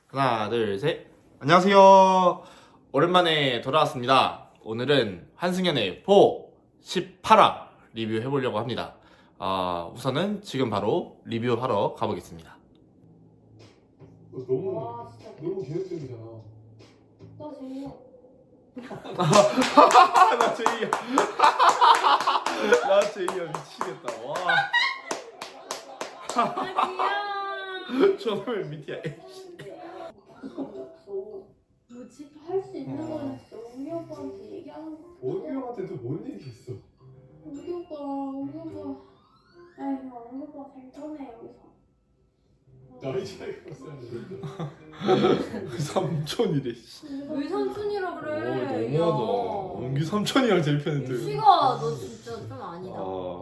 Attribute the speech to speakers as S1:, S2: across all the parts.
S1: 하나, 둘, 셋. 안녕하세요. 오랜만에 돌아왔습니다. 오늘은 한승연의 18화 리뷰해보려고 합니다. 우선은 지금 바로 리뷰하러 가보겠습니다.
S2: 너무 계획적이잖아.
S3: 나 제이야.
S1: 나 제이야. 나 제이야 미치겠다. 와. 저놈의 미티야.
S3: 뭐지? 할 수 있는 건 진짜 우리 오빠한테 얘기하는 거.
S2: 어기 형한테 또 뭔 얘기했어?
S3: 우리 오빠. 아이고, 우리 오빠 잘 터네 여기서.
S2: 나이 차이가 있었는데.
S1: 삼촌이래.
S4: 왜 삼촌이라 그래?
S1: 너무하다. 은기 삼촌이랑 제일 편한데.
S4: 유식아, 너 진짜 좀 아니다.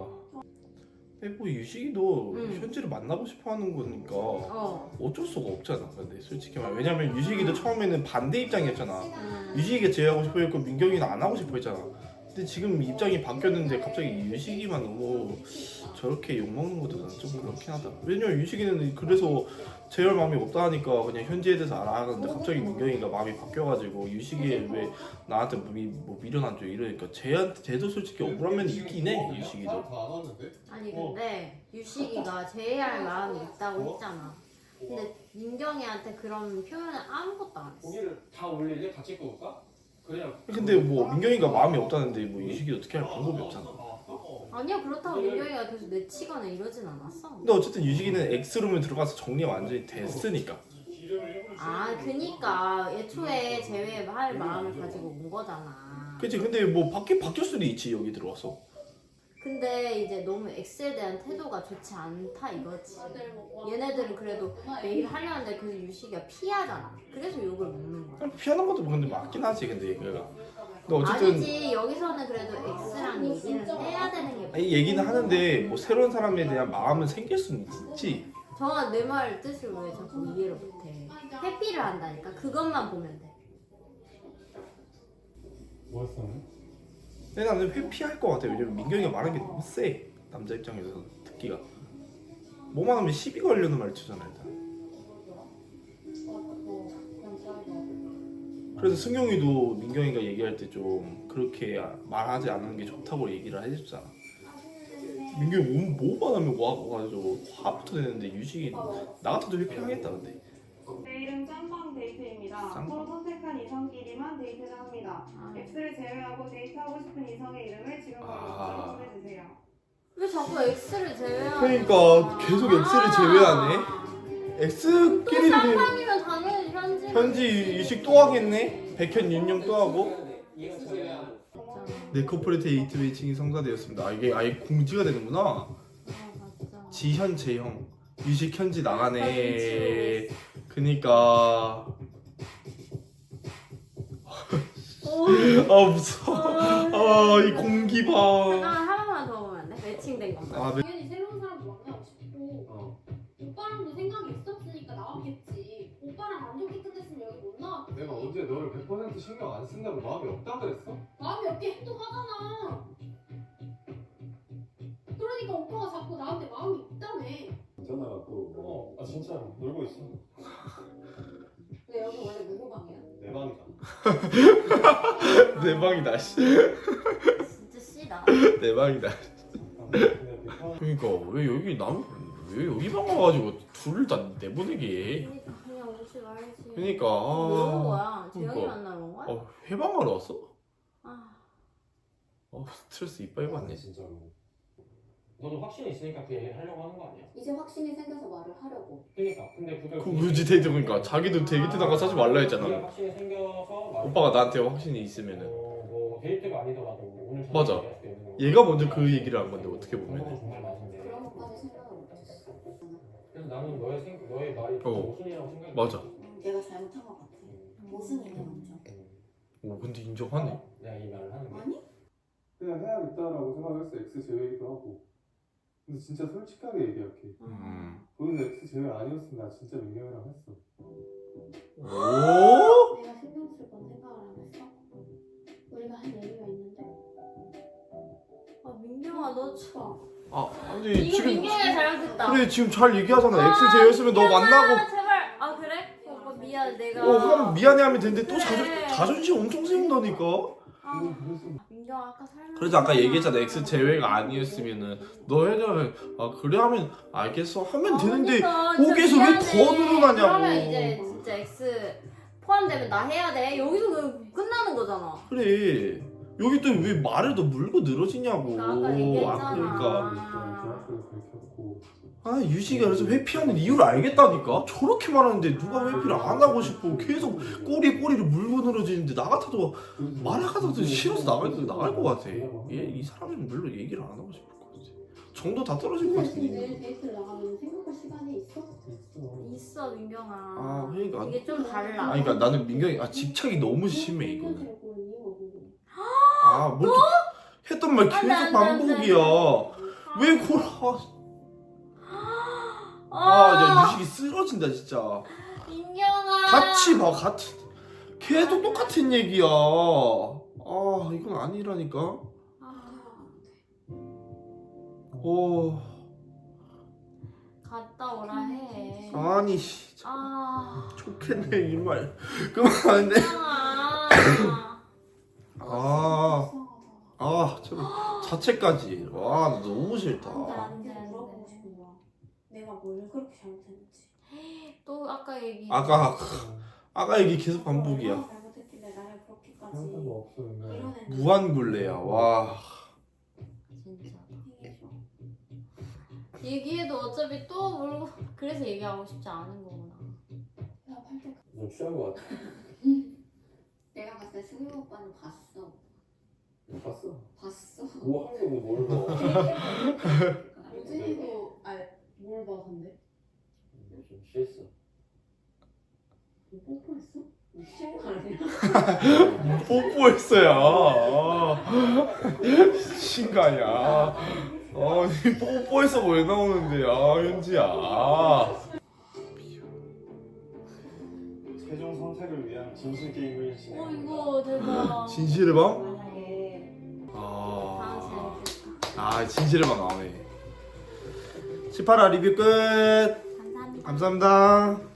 S1: 뭐 유식이도
S4: 응.
S1: 현지를 만나고 싶어하는 거니까
S4: 어.
S1: 어쩔 수가 없잖아. 근데 솔직히 말 왜냐면 유식이도 처음에는 반대 입장이었잖아.
S4: 음.
S1: 유식이가 제외하고 싶어 했고 민경이는 안 하고 싶어 했잖아. 근데 지금 입장이 바뀌었는데 갑자기 유식이만 너무 저렇게 욕먹는 것도 난 좀 그렇긴 하다. 왜냐면 유식이는 그래서 제열 마음이 없다 하니까 그냥 현지에 대해서 알아하는데 갑자기 민경이가 마음이 바뀌어가지고 유식이 왜 나한테 뭐 미련하죠 이러니까 쟤도 솔직히 억울한 면이 있긴 해. 유식이도.
S2: 다 왔는데?
S4: 아니 근데 유식이가 제의할 마음이 있다고 했잖아. 근데 민경이한테 그런 표현은 아무것도 안 했어.
S5: 고기를 다 올리지? 같이 구울까? 그냥
S1: 근데 뭐 민경이가 마음이 없다는데 뭐 유식이 어떻게 할 방법이 없잖아.
S4: 아니야, 그렇다고 민경이가 계속 내치거나 이러진 않았어.
S1: 근데 어쨌든 유식이는 X룸에 들어가서 정리가 완전히 됐으니까.
S4: 아, 그니까 애초에 제외할 마음을 가지고 온 거잖아.
S1: 그치. 근데 뭐 바뀔 수도 있지 여기 들어와서.
S4: 근데 이제 너무 X에 대한 태도가 좋지 않다 이거지. 얘네들은 그래도 매일 하려는데 그래서 유식이가 피하잖아. 그래서 욕을 먹는 거야.
S1: 피하는 것도 근데 맞긴 하지 근데 얘가. 근데 어쨌든
S4: 아니지, 여기서는 그래도 X랑 얘기를 해야 되는 게
S1: 이 얘기는 하는데 뭐 새로운 사람에 대한 마음은 생길 수는 있지.
S4: 정아, 내 말 뜻을 왜 자꾸 이해를 못해. 회피를 한다니까. 그것만 보면 돼.
S2: 뭐였어?
S1: 근데 나는 회피할 것 같아. 왜냐면 민경이가 말하는 게 너무 세. 남자 입장에서 듣기가. 뭐만 하면 시비 걸려는 말투잖아 일단. 그래서 승용이도 민경이가 얘기할 때 좀 그렇게 말하지 않는 게 좋다고 얘기를 해줬잖아. 민경이 뭐만 하면 와가지고 화부터 내는데 유식이 나 같아도 회피하겠다 근데.
S6: 내일은 짬방 데이트입니다.
S1: 짬방?
S6: 서로 선택한 이성끼리만 데이트를 합니다. X를 제외하고 데이트하고 싶은 이성의 이름을 지금 바로 보내주세요.
S4: 왜 자꾸 X를 제외하는
S1: 그러니까 계속 X를 제외하네.
S4: 또
S1: X끼리는
S4: 쌍방이면 당연히 현지.
S1: 현지 유식 또 하겠네. 백현 윤영 또 하고.
S5: 이거 제외한
S1: 네 코퍼레이트 데이트 매칭이 성사되었습니다. 이게 아예 공지가 되는구나.
S4: 맞아.
S1: 지현 재형 유식 현지 나가네. 그니까 무서워. 이 공기 봐.
S4: 한 번만 더 보면 안 돼? 매칭된 것만.
S3: 당연히 새로운 사람도 만나고 싶고 오빠랑도 생각이 있었으니까 나왔겠지. 오빠랑 안 좋게 끝냈으면 여기 못 나왔겠지.
S2: 내가 언제 너를 100% 신경 안 쓴다고 마음이 없다 그랬어?
S3: 마음이 없게 행동하잖아. 그러니까 오빠가 자꾸 나한테 마음이 있다며.
S2: 괜찮아 또.
S5: 아 진짜 놀고 있어.
S3: 근데 여기 원래 누구 방이야?
S5: 내 방이다.
S1: 내 방이다. 씨.
S4: 진짜 씨다.
S1: 내 방이다. 그러니까 왜 여기 방 와가지고 둘을 다 내보내게 해.
S4: 그러니까 그냥 오지 말지.
S1: 그러니까
S4: 왜 온 거야? 재영이
S1: 그러니까.
S4: 만나러 온 거야?
S1: 회방하러 왔어?
S4: 아,
S1: 스트레스 이빨 받네.
S5: 진짜로. 너도 확신이 있으니까 그 얘기를 하려고 하는 거 아니야?
S3: 이제 확신이 생겨서 말을 하려고.
S5: 그러니까 근데 그걸
S1: 그 굳이 데이트 보니까 자기도 데이트 나가서 하지 말라 했잖아.
S5: 네가 확신이 생겨서
S1: 오빠가 나한테 확신이 있으면은
S5: 뭐 데이트가 아니더라도 오늘 저녁에
S1: 맞아.
S5: 얘기할 수도 있는 거고.
S1: 얘가 먼저 그 얘기를 한 건데 어떻게
S5: 그런 건
S1: 보면
S5: 정말 맞은데.
S3: 그런 것까지 생각을 못했어.
S5: 그래서 나는 너의 말이 모순이라고 생각해.
S1: 맞아.
S3: 내가 잘못한 것 같아. 모순이네 먼저.
S1: 오 근데 인정하네.
S5: 내가 이 말을 하는 게.
S3: 아니?
S2: 그냥 해야겠다라고 생각했어. X 제외이기도 하고. 근데 진짜 솔직하게 얘기할게. 너는 X 제외 아니었으면 나 진짜 민경이랑 했어.
S1: 오?
S3: 내가 신경 쓸 건 생각을 안 했어? 우리가 한 얘기가 있는데?
S4: 아 민경아 너 참.
S1: 근데
S4: 이거
S1: 지금
S4: 민경이가 잘못했다.
S1: 그래 지금 잘 얘기하잖아. X 제였으면 너 만나고
S4: 제발. 아 그래? 오빠 미안 내가
S1: 하면 미안해하면 되는데 또
S4: 그래.
S1: 자존심 엄청 세운다니까.
S4: 아,
S2: 그래서
S4: 민경아 아까 설명
S1: 그래서 아까 얘기했잖아. X 제외가 아니었으면은 너 해결 그래 하면 알겠어 하면 되는데
S4: 그러니까
S1: 거기에서 왜 더 늘어나냐고.
S4: 그러면 이제 진짜 X 포함되면 나 해야 돼. 여기서 그 끝나는 거잖아.
S1: 그래. 여기 또 왜 말을 더 물고 늘어지냐고.
S4: 나 아까 얘기했잖아.
S1: 그러니까
S2: 정확하게 밝혔고
S1: 유식이가 그래서 회피하는 이유를 알겠다니까. 저렇게 말하는데 누가 회피를 안 하고 싶고 계속 꼬리를 물고 늘어지는데 나 같아도 말하가도 싫어서 나갈 것 같아. 이 사람은 물론 얘기를 안 하고 싶을 것 같아. 정도 다 떨어질 것 같은데.
S3: 내일 데이트를 나가면 생각할 시간이 있어?
S4: 있어 민경아.
S1: 아 그러니까.
S4: 이게 좀 달라.
S1: 그러니까 나는 민경이 집착이 너무 심해 이거는.
S3: 데리고 온 이유가 궁금해.
S1: 뭐 이렇게 했던 말 계속
S4: 안 돼.
S1: 반복이야. 왜 그걸 야 유식이 쓰러진다 진짜.
S4: 민경아.
S1: 같이 봐 계속 똑같은 얘기야. 이건 아니라니까.
S4: 갔다 오라 해.
S1: 아니 좋겠네 이 말. 그만 안 돼.
S4: 민경아.
S1: 참 자체까지. 와 나 너무 싫다.
S4: 안 돼.
S3: 물어보고 싶은 거야. 내가 뭘 그렇게 잘못했는지.
S4: 또 아까 얘기.
S1: 아까 얘기 계속 반복이야.
S3: 얼마나 잘못했길래 나를 그렇게까지
S2: 상관도 없었는데
S3: 이런 애
S1: 무한굴레야. 와.
S4: 진짜.
S3: 얘기해줘.
S4: 얘기해도 어차피 또 물고 그래서 얘기하고 싶지 않은 거구나.
S3: 나 팔때
S2: 좀 취한 것 같아.
S3: 내가 봤을 때 승우 오빠는 봤어.
S2: 봤어?
S3: 봤어.
S2: 뭐 하는 거고 뭘 봐.
S3: 유진이도 뭘 봐 근데?
S5: 좀 취했어.
S3: 뭐 뽀뽀했어? 미친 거 아니야?
S1: 뽀뽀했어요. 미친 거 아니야. 뽀뽀해서 왜 나오는데 현지야.
S2: 최종 선택을 위한 진실 게임을 진행.
S4: 이거 대박.
S1: 진실의 방?
S3: 만약에
S1: 진실의 방 나오네. 18화 리뷰 끝.
S4: 감사합니다.
S1: 감사합니다.